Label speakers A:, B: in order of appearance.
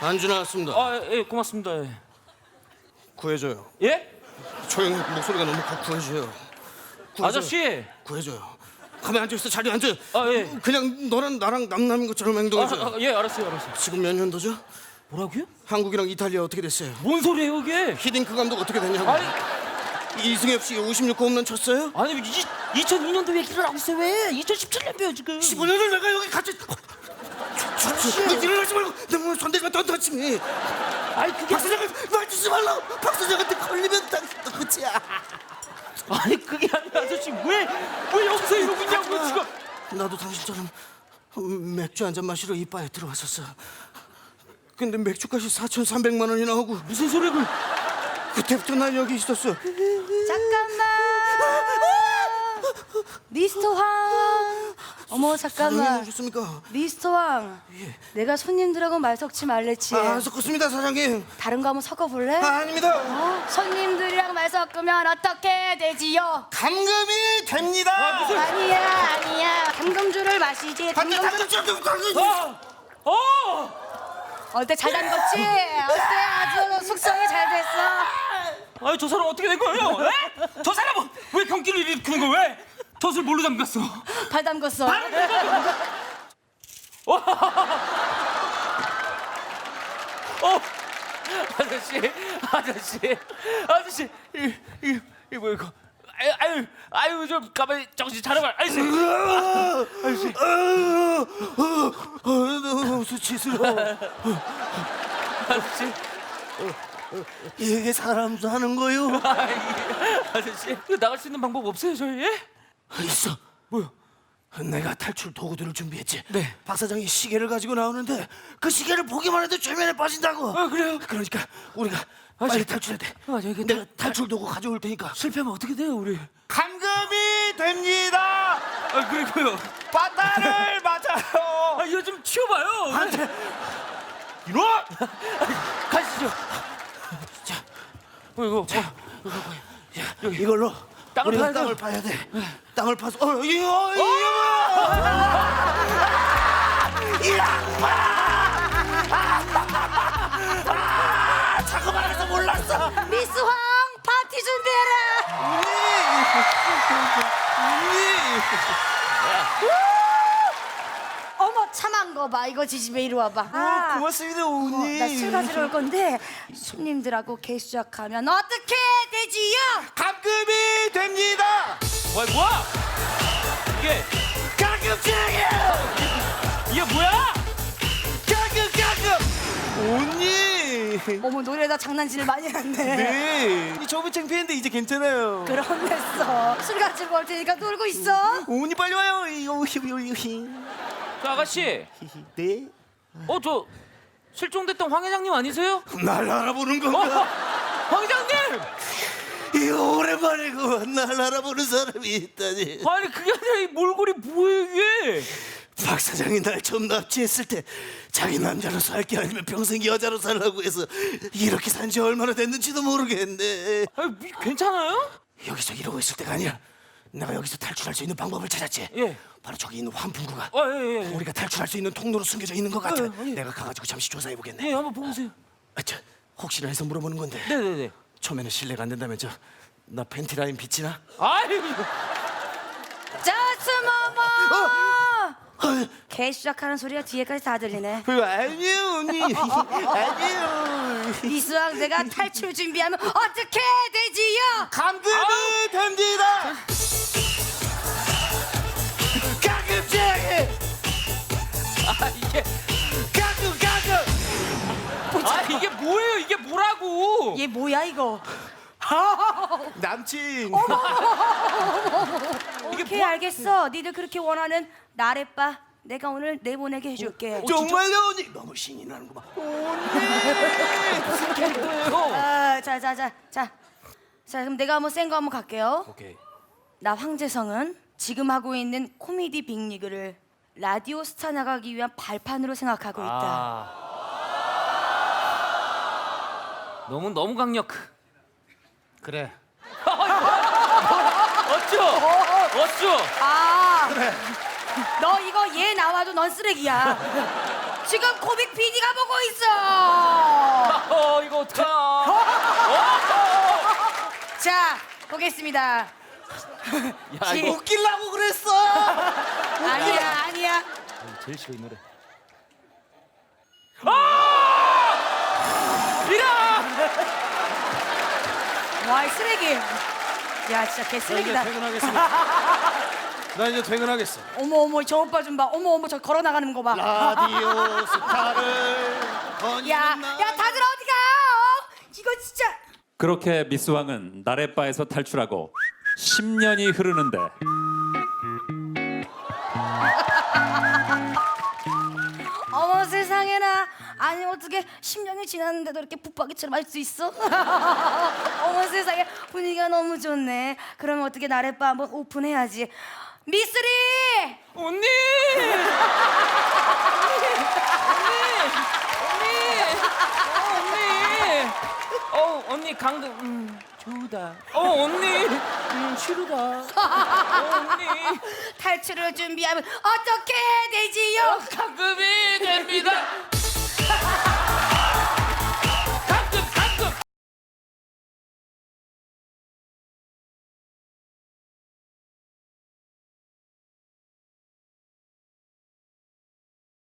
A: 안주 나왔습니다.
B: 예, 고맙습니다. 예.
A: 구해줘요.
B: 예?
A: 저 형 목소리가 너무 커. 구해줘요.
B: 아저씨.
A: 구해줘요. 가만히 앉아있어. 자리에 앉아.
B: 예.
A: 그냥 너랑 나랑 남남인 것처럼 행동해줘.
B: 예, 알았어요.
A: 지금 몇 년도죠?
B: 뭐라고요?
A: 한국이랑 이탈리아 어떻게 됐어요?
B: 뭔 소리예요, 이게?
A: 히딩크 감독 어떻게 됐냐고.
B: 아니,
A: 이승엽 씨 56호 홈런 쳤어요?
B: 아니 2002년도 얘기를 하고 있어요. 왜? 2017년도요, 지금.
A: 15년을 내가 여기 같이 너 일어나지 말고 내 몸에 손대지 마. 던터치미.
B: 아니, 그게
A: 박 사장을 말주지 말라고. 박 사장한테 걸리면 당신도 끝이야.
B: 아니, 그게 아니라 아저씨 왜 여기서 이러고 있냐고요, 지금.
A: 나도 당신처럼 맥주 한 잔 마시러 이 바에 들어왔었어. 근데 맥주값이 4,300만 원이 나오고
B: 무슨 소리를?
A: 그때부터 난 여기 있었어.
C: 잠깐만. 미스터 황. 어머
A: 사장님
C: 잠깐만.
A: 오셨습니까?
C: 미스터 황. 내가 손님들하고 말 섞지 말랬지.
A: 안 섞었습니다 사장님.
C: 다른 거 한번 섞어볼래?
A: 아닙니다.
C: 손님들이랑 말 섞으면 어떻게 되지요?
A: 감금이 됩니다.
C: 아니야. 담금주를 마시지. 어때 잘 담궜지? 어때 아주 숙성이 잘 됐어?
B: 아니, 저 사람 어떻게 된 거예요? 예? 저 사람은 왜 경기를 일으키는 거예요? 왜? 덫을 뭘로 잠갔어?
C: 발 담궜어.
B: 아저씨, 이거 뭐 이거? 아유, 좀 가만히 정신 차려봐, 아저씨.
A: 너무 수치스러워.
B: 아저씨,
A: 이게 사람 사는 거요?
B: 아저씨, 이거 나갈 수 있는 방법 없어요, 저희? 예?
A: 있어.
B: 뭐요?
A: 내가 탈출 도구들을 준비했지.
B: 네.
A: 박 사장이 시계를 가지고 나오는데 그 시계를 보기만 해도 최면에 빠진다고.
B: 그래요?
A: 그러니까 우리가 빨리 탈출해야 돼.
B: 이게
A: 내가 탈출 도구 가져올 테니까.
B: 실패하면 어떻게 돼요, 우리?
A: 감금이 됩니다.
B: 그리고요.
A: 바다를 맞아요.
B: 이거 좀 치워봐요.
A: 안돼.
B: 이놈! 가시죠.
A: 자,
B: 이거.
A: 이걸로
B: 땅을
A: 우리가
B: 파야
A: 땅을
B: 돼.
A: 파야 돼. 땅을 파서 이거 이 자꾸 말해서 몰랐어.
C: 미스 황 파티 준비해라. 어머 참한 거 봐. 이거 지집에 이리 와봐.
A: 고맙습니다, 언니.
C: 나 술 가지러 올 건데 손님들하고 개수 시작하면 어떻게 되지요?
A: 감금이 됩니다.
B: 뭐야? 이게
A: 감금증이야.
B: 뭐야?
A: 감금. 언니.
C: 어머 노래에다 장난질을 많이 했네.
A: 네. 저번 창피했는데 이제 괜찮아요.
C: 그럼 됐어. 술 가지고 올 테니까 놀고 있어.
A: 언니 빨리 와요.
B: 저 아가씨.
A: 네.
B: 저 실종됐던 황 회장님 아니세요?
A: 날 알아보는 건가?
B: 황 회장님!
A: 이거 오랜만에 날 알아보는 사람이 있다니.
B: 아니, 그게 아니라 이 몰골이 뭐예요, 이게?
A: 박 사장이 날 처음 납치했을 때 자기 남자로서 할 게 아니면 평생 여자로 살라고 해서 이렇게 산 지 얼마나 됐는지도 모르겠네.
B: 아니, 괜찮아요?
A: 여기서 이러고 있을 때가 아니야. 내가 여기서 탈출할 수 있는 방법을 찾았지.
B: 예.
A: 바로 저기 있는 환풍구가
B: 예.
A: 우리가 탈출할 수 있는 통로로 숨겨져 있는 것 같아.
B: 예.
A: 내가 가가지고 잠시 조사해 보겠네.
B: 예, 한번 보세요.
A: 혹시나 해서 물어보는 건데.
B: 네네네.
A: 처음에는 신뢰가 안 된다면 나 팬티 라인 비치나?
B: 아이고.
C: 자스모모. 개 시작하는 소리가 뒤에까지 다 들리네.
A: 아니에요, 언니. 아니에요.
C: 미수왕 내가 탈출 준비하면 어떻게 되지요?
A: 감금이 됩니다. 감금증이.
B: 이게
A: 감금.
B: 이게 뭐예요? 이게 뭐라고?
C: 얘 뭐야 이거?
A: 남친.
C: 오케이 알겠어. 니들 그렇게 원하는 나래빠 내가 오늘 내보내게 해줄게.
A: 정말요, 언니. 너무 신이 나는구만.
B: 무슨 캐릭터예요?
C: 자 그럼 내가 한번 센 거 한번 갈게요.
B: 오케이.
C: 나 황재성은 지금 하고 있는 코미디 빅리그를 라디오 스타 나가기 위한 발판으로 생각하고 있다.
B: 너무 강력.
A: 그래.
B: 어쭈?
C: 그래. 너 이거 얘 나와도 넌 쓰레기야. 지금 코빅 PD가 보고 있어.
B: 이거 어떡하나.
C: 자, 보겠습니다.
B: 야, 이거
A: 웃기려고 그랬어.
C: 아니야.
B: 제일 싫어 이 노래.
C: 와, 이 쓰레기. 야, 진짜 개
A: 나 이제
C: 쓰레기다.
A: 퇴근하겠습니다. 나 이제 퇴근하겠어.
C: 어머, 저 오빠 좀 봐. 어머, 저 걸어 나가는 거 봐.
A: 라디오 스타를
C: 야,
A: 거니는
C: 다들 어디 가? 이거 진짜.
D: 그렇게 미스왕은 나래바에서 탈출하고 10년이 흐르는데
C: 어머 세상에나. 아니 어떻게 10년이 지났는데도 이렇게 붙박이처럼 할 수 있어? 어머 세상에 분위기가 너무 좋네. 그러면 어떻게 나래바 한번 오픈해야지. 미쓰리!
B: 언니! 언니 강도 좋다. 언니 싫다. 언니
C: 탈출을 준비하면 어떻게 되지요?
B: 가급이 됩니다.